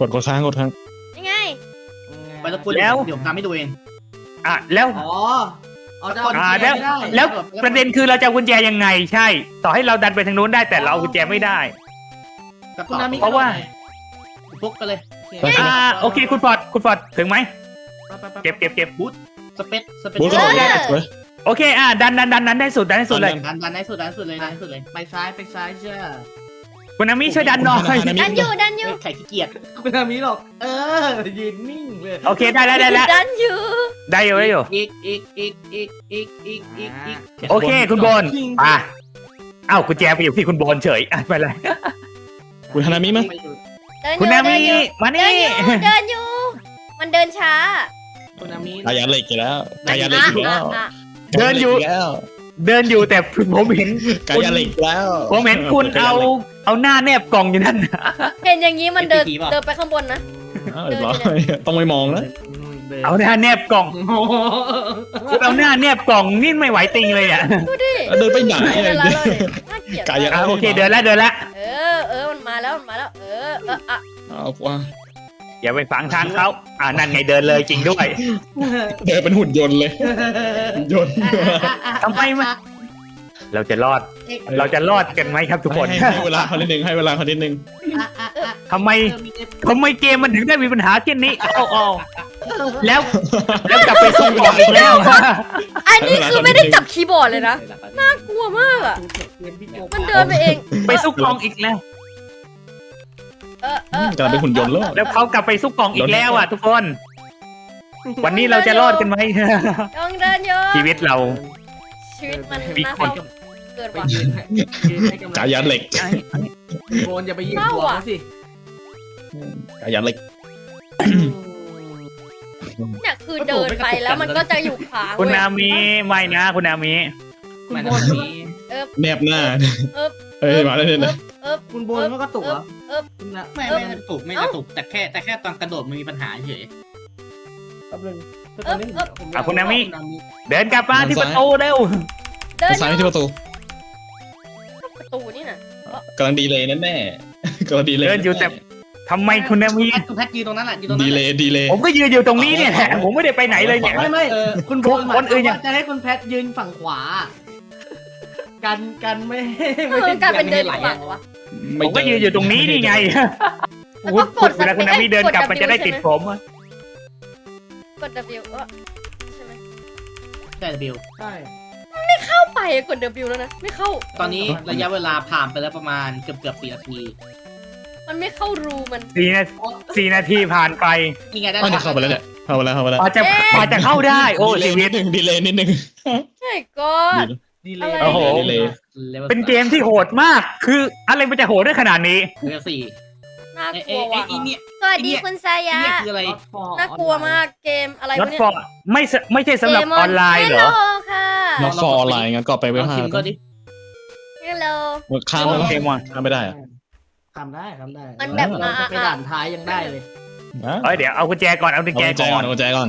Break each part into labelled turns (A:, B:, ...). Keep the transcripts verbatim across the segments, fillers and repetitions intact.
A: ดกดค้างกดค้าง
B: ยังไง
C: ไปตะกุน
D: แล้ว
C: เดี๋ยวทำให้ดูเอง
D: อ่ะแล้ว
E: อ๋อเอาจะ
D: อ่า
E: เอา
D: แล้ว
E: ไม่ได้
D: แล้วประเด็นคือเราจะเอากุญแจยังไงใช่ ต่อให้เราดันไปทางนู้นได้แต่เราเอากุญแจไม่ได้
E: คุณนามิ
D: เพราะว่า
C: ฟุกไปเลย
D: อ่าโอเคคุณฟอร์ดคุณฟอร์ดถึงไหมเก็บเก็บเก็บ
C: สเปซสเปซ
A: บูธ
B: เอ
A: ก่อน
B: อ
A: เว้ย
D: โอเคอ่ะดันดันดันดันได้สุดดันได้สุดเลย
C: ดันดันให้สุดดันให้สุดเลยดันให้สุดเลย
E: ไปซ้ายไปซ้ายเชื่อ
D: คุณนามิช่วยดันหน่อย
B: ดันอยู่ดันอยู่
C: ไข่ขี้เกียจ
E: คุณนามิหรอก เออยืนนิ่งเลย
D: โอเคได้แล้วได้แล้ว
B: ดันอยู่
D: ได้อยู่ได้อยู่
C: อีกอีกอีกอีกอีกอีกอีกอีก
D: โอเคคุณโบนอ่ะเอ้ากุญแจไปอยู่ที่คุณโบนเฉยอ่ะไปเลย
A: คุณฮานามิมั้ย
B: เดินอ
D: คุณ
B: ยู่
D: นามิ
B: เดินอยู่
D: มา
B: เดิ
D: นี่
B: นอยู่เดินอยู่มันเดินช้า
E: คุณนามิ
A: กายาเหล็กอีกแล้วกายาเหล็กอีกแล้ว
B: อ่ะ
D: เดินอยู่
A: แล้ว
D: เดินอยู่แต่ผมเห็น
A: กายาเหล็กอีกแล้ว
D: ผมเห็นคุณเอาเอาหน้าแนบกล่องอยู่นั่น
B: เห็นอย่างนี้มันเดินเดินไปข้างบนนะ
A: อ้าวเรียบร้อยต้องไม่มองนะ
D: เอาหน้าแนบกล่อง
E: โอ้โห
D: คุณเอาหน้าแนบกล่องนี่ไม่ไหวติงเลยอ่ะ
B: ดูดิ
A: เดินไปไหน
B: เดิน
A: เนี่ย
B: แล้วเลยน่าเกลียด
A: กายา
D: อ่ะโอเคเดินแล้วเดินแล้ว
B: เออเออมันมาแล้วมันมาแล้ว เออเอออ่ะ
A: เอาว่า
D: อย่าไปฝังทางเขาอ่านั่นไงเดินเลยจริงด้วย
A: เดินเป็นหุ่นยนต์เลยหุ่นยนต์
D: ทำไมมาเราจะรอด เราจะรอดกันไหมครับทุกคน
A: ให้ให้เวลาเขานิดนึงให้เวลาเขานิดนึง
E: อ่ะอ่ะอ่ะ
D: ทำไมทำไมเกมมันถึงได้มีปัญหาเช่นนี้เอาเอาแล้วแล้วกลับไปส่งของอีกแล้ว
B: อันนี้คือไม่ได้จับคีย์บอร์ดเลยนะน่ากลัวมากอ่ะมันเดินไปเอง
D: ไปซุกกองอีกแล้ว
B: เออเออก
A: ำลังเป็นหุ่นยนต์แล้ว
D: แล้วเขากลับไปซุกกองอีกแล้วอ่ะทุกคน วันนี้เราจะรอดกันไหม
B: ยังเดินอยู่
D: ชีวิตเรา
B: ชีวิตมัน
D: มี
B: น่า
D: คน
B: เศร้าเกิน
E: ไป
B: ว่ะ
E: ยืนให้ยืนให้กำลัง
A: กายาเหล็ก
E: โกนอย่าไปยืนหัวเขาสิ
A: กายาเหล็ก
B: เนี่ยคือเดินไปแล้วมันก็จะอยู่ขวาง
D: คุณ
B: เว้ย
D: นามิไม่นะคุณนามิ
E: คุณ
C: มัน
E: โบน
C: มี
A: แนบหน้า
B: เอิบ
A: เอ้ยมาแล้วเนี่ยนะ
B: เอิบ
E: คุณโบนมันก็ตกเหรอ
B: เอิบ
E: คุณนะ
C: ไม่ไม่กระตุกไม่กระตุกแต่แค่แต่แค่ตอนกระโดดมันมีปัญหาเฉย
E: แป๊บนึงตอนนี้ผม
D: อ่ะคุณนามิ เดินกลับมาที่ประตูเร็ว
B: เดิน
A: ซ้ายที่ประตู
B: ประตูนี่น่ะ
A: กำลังดีเลยแน่แน่กำลังดีเลย
D: เดินอยู่แต่ทำไมคุณนามิ
C: แพทคุณแพทยืนตรงนั้นแหละยืนตรง
A: ดี
C: นั้น
A: เลยดีเลย
D: ผมก็ยืนอยู่ตรงนี้เนี่ยแหละผมไม่ได้ไปไหนเลยเนี่ย
E: ไม่ไม่คุณโบน
D: คนอื่นยัง
E: จะให้คุณแพทยืนฝั่งขวา กันกันไม่
B: เออกลายเป็นเดินอีกฝั่งวะ
D: ผมก็ยืนอยู่ตรงนี้นี่ไง
B: แล้วก็กด
D: เวลาคุณนามิเดินกลับมันจะได้ติดผมอะ
B: กด W เออใช่ไหม
C: ใช่บิว
E: ใช่
B: เข้าไปกด W แล้วนะไม่เข้า
C: ตอนนี้ระยะเวลาผ่านไปแล้วประมาณเกือบเกือบสี่นาที
B: มันไม่เข้ารูมัน
D: สี่นาสี่นาทีผ่านไป
C: นี่ไงได้
A: อ๋อเนี่ยเข้าไปแล้วเนี่ยเข้าไปแล้วเข้าไปแล้ว
D: พอจะพอจะเข้าได้ โอ้
A: ดี
D: ชี
A: เลย
D: วิ
A: นิ
D: ต
A: ดนึงดีเลยนิดนึง
B: ใช่ก็
E: ดีเลย
B: อะไร
D: โอ้โห
A: ดีเลย
D: เป็นเกมที่โหดมาก คืออะไรมันจะโหดได้ขนาดนี้
C: เรือสี่
B: น่า
C: เอ้
B: กลัว
C: เอ้
B: ว่ะ
C: ไอ้เนี่ย
B: สวัสดี
C: ไอ้เนี่ย
B: คุณซายะ
C: เนี่ยคืออะไร
B: น่ากลัวมากเกมอะไร
D: ร
B: วะ
D: ถ
B: เนี่ย
D: ฟอร์ไม่สไม่ใช่สำหรับออนไลน์เหรอ
B: ฮัลโหลค่ะ
A: นอกฟอร์ออนไลน์งั้นก็ไป
C: ล
A: เว็บ
C: อง
A: ห้า
C: ชิมก็ดิ
B: ฮัลโหล
A: ข้ามแล้ว
D: โอเคว่ะ
A: ข้ามไม่ได้อะ
E: ทำได้ทำได้
B: มันแบบมา
E: จะไปด่านท้ายยังได้เลย
D: เอ้ยเดี๋ยวเอากุญแจก่อนเอากุญ
A: เอา
D: แจ
A: กุญแจ
D: ก่
A: ก่
D: อ
A: อน
D: น
A: เอากุญแจก่อน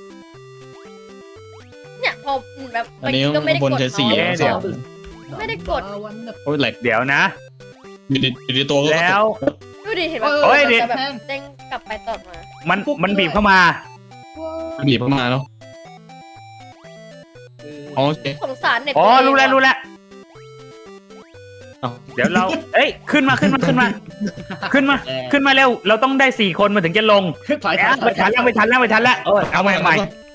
B: เนี่ยพอแบบ
A: อันนี้
B: ก็ไม่ได้
A: บน
B: กด
A: ใช้สี่
B: เมาส์
D: เดี๋ยว
B: ไม่ได้กด
A: โอ้ยแหลก
D: เดี๋ยวนะ
A: อยู่ในอยู่ในตัวก็
D: แล้ว
B: ดูดิเห็นไหม
D: โอ้ยเดี๋ยว
B: จะแบบเด้งกลับไปตอดมา
D: มันมันบีบเข้ามา
A: บีบเข้ามาเนาะโอเค
B: สงสารเน็ต
D: อ๋อ
B: ตัวเง
D: รู้แล้ว
B: ว่ะ
D: รู้แล้ว
A: เอา
D: เดี๋ยวเรา เอ้ยขึ้นมาขึ้นมาขึ้นมาขึ้นมา ขึ้นมาเร็ว เราต้องได้สี่คนมาถึงจะลง
C: ถอย
D: แอบไม่ทันแล้วไม่ทันแล้วไม่ทันแล้วเออเอาใหม่ใหม่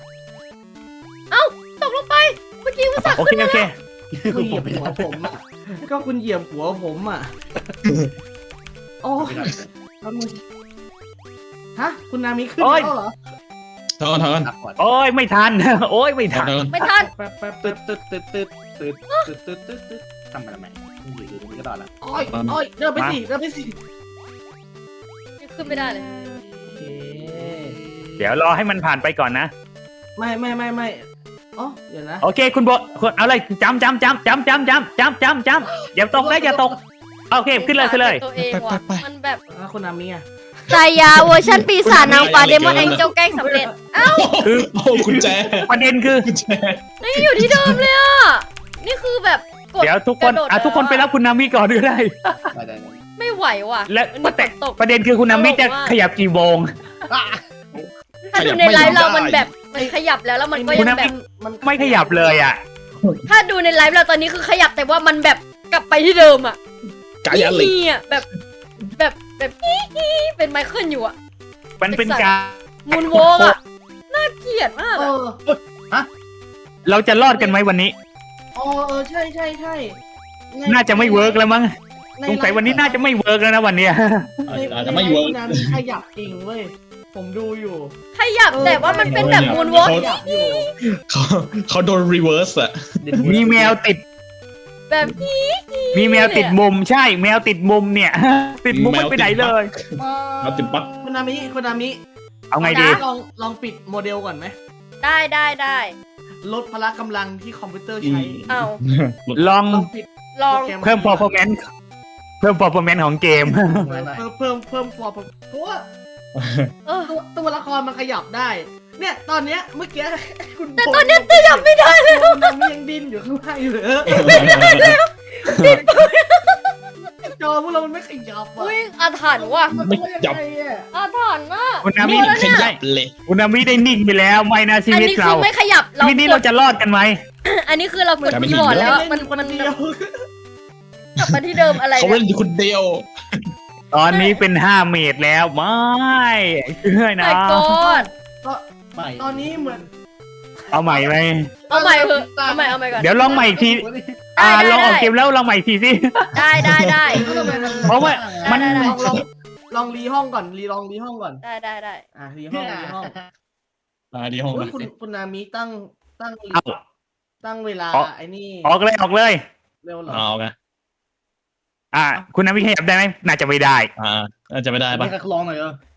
B: ตกลงไปเมื่อกี้ว่าสัก
D: โอเคโอเค
E: คุณเหยียบหัวผมอ่ะ ก็คุณเหยียบหัวผมอ่ะ โอ้ยแล้วมึงฮะ คุณนามิขึ้นแล้วเหรอ
A: ทอนทอน
C: ตัดก่อน
D: โอ้ยไม่ทัน โอ้ยไม่
A: ทอ
D: ทั
A: น
D: น
A: ทอน
B: ไม่ทัน
E: แป๊บแป๊บ
C: ตึ
E: แป๊
C: ๊
E: บ
C: ดตึ๊ดตึ๊ดตึ๊ดตึ๊ดตึ๊ดตึ๊ดตึ๊ดตึ๊ดทำมาทำไมอยู่ดีๆมันก็ต่อละ
E: โอ้ยโอ้ยเดินไปสิเดินไปสิ
B: ยังขึ้นไม่ได้เลย
E: โอเค
D: เดี๋ยวรอให้มันผ่านไปก่อนนะ
E: ไม่ไม่ไม่ไม่อ๋อเดี๋ยวนะ
D: โอเคคุณโบคุณเอาเลยจำจำจำจำจำจำจำจำจำอย่าตกนะอย่าตกโอเคขึ้นเลยขึ้นเลย
B: ตัวเองว่ะมันแบบ
E: อ่ะคุณนามิอ่ะ
B: ซายาเวอร์ชันปีศาจนางฟ้าเดมอนแองเจิลแกล้งสำเร็จ
D: คือ
A: โอ้กุญแจ
D: ประเด็นคือ
A: กุญแจ
B: นี่อยู่ที่เดิมเลยอ่ะ นี่คือแบบกด
D: เดี๋ยวทุกคน
B: กระโดด
D: อ่ะทุกคนไปรับคุณนามิก่อนก็ได้
C: ได้ได้ได้
B: นไม่ไหวว่ะ
D: และ
B: มัน
D: ป
B: มี
D: ระเด็น
B: ฝนตก
D: ประเด็นคือคุณนามิจะขยับกี่โมง
B: ถ้าดูในไลฟ์เรามันแบบมันขยับแล้วแล้วมันก็
D: คุ
B: ยั
D: ณ
B: ง
D: น้ำ
B: แบบ
E: มัน
D: ไม่ขยับเลยอ่ะ
B: ถ้าดูในไลฟ์เราตอนนี้คือขยับแต่ว่ามันแบบกลับไปที่เดิมอ่ะ
A: กายันเหล็ก
B: นี่อ่ะแบบแบบแบบฮี้ฮี้เป็นไมเคิลอยู่อ่ะ
D: มันเป็นการ
B: มูนโวกอ่ะน่าเกลียดมาก
E: เอ
B: อะ
E: อ
D: เราจะรอดกันไหมวันนี้
E: อ๋อเออใช่ใช่ใช่ใน
D: น่าจะไม่เวิร์กแล้วมั้ง
E: ใน
D: สงสัยวันนี้น่าจะไม่เวิร์กแล้วนะวันเนี้ย
E: ใน
A: อาจจะไม่เวิร์ก
E: ในไลฟ์คุณนามิขยับจริงเว้ยผมดูอยู่
B: ขยับแต่ว่ามันเป็นแบบมูนโวก
E: ขยับอยู่
A: เขาเขาโดนรีเวิร์สอะ
D: มีแมวติด
B: แบบฮี้ฮี้
D: มีแมวติดมุมใช่ แมวติดมุมเนี่ย ติดมุมไม่ไปไหนเลย
A: เขาติดปั๊ก
E: คุณนามิคุณนามิ
D: เอาไงดี
E: ลองลองปิดโมเดลก่อนไหม
B: ได้ได้ได้
E: ลดพละกำลังที่คอมพิวเตอร์ใช้
B: เอา
D: ลอง
E: ลองปิด
B: ลอง
E: โปรแกร
D: เพิ่ม performance เพิ่ม performance ของเกม
E: เพิ่มเพิ่มเพิ่มฟอร์เพราะว่า
B: เออ
E: ตัวตัวละครมันขยับได้ เนี่ยตอนเนี้ยเมื่อกี้คุณ
B: แต่ตอนเนี้ยขยับไม่ได้เลย
E: คุณนามิยังดิ้นอยู่ข้างล่างอยู่เลยจอพวกเรามันไม่ขยับอ่ะ
B: อุ้ยอาถรรพ์ว่ะ
A: ไม่ยับ
E: นยังไงอะ
B: อาถรรพ์มาก
D: คุณนามิ
A: ขยับเลย
D: คุณนามิได้นิ่งไปแล้วไม่นะชี
B: อัน
D: วิต
B: นี้คื
D: เรา
B: อไม่ขยับเรา
D: ชีวิตนี้
B: ก
D: เรา
B: ด
D: จะรอดกันไหม
B: อันนี้คือเรากด
A: กลายเป็น
B: คีย์บอร์ด
A: หิน
B: แล้วอะ
E: มั
B: มัน น
E: คน
B: มัน
E: เดียว
B: กลับมาที่เดิมอะไร
A: เขา
B: เนี่
A: เล่
B: ย
A: นอยู่คนเดียว
D: ตอนนี้เป็นห้าเมตรแล้วไม่เชื่อนะ
B: ไม่กด
E: ก็
C: ไม่
E: ตอนนี้เหมือน
D: เอาใหม่ไหม
B: เอาใหม่เถอะเอาใหม่เอาใหม่ก่อน
D: เดี๋ยวลองใหม่อีกที อ่า
B: ได้
D: ลองออก
B: ได้
D: เกมแล้วลองใหม่อีกทีสิ
B: ได้ได้ได้
D: เพราะว่ามัน
B: ได้ได้
E: ลองลองลองรีห้องก่อนรีลองรีห้องก่อน
B: ได้ได้ได้
E: อ่ะรีห้องรีห้อง
A: มาดีห้อง
E: โอ้ย
A: นะ
E: คุณคุณนามิตั้งตั้ง
D: เอา
E: ตั้งเวลา
D: ออก
E: ไอ้นี่
D: ออกเลยออกเลย
E: เร็วเหรอ
A: เอาไง
D: อ่า คุณนามิขยับได้ไหมน่าจะไม่ได้
A: อ่าน่าจะไม่ได้ปะ
C: ไม่กระลองหน่อยเออ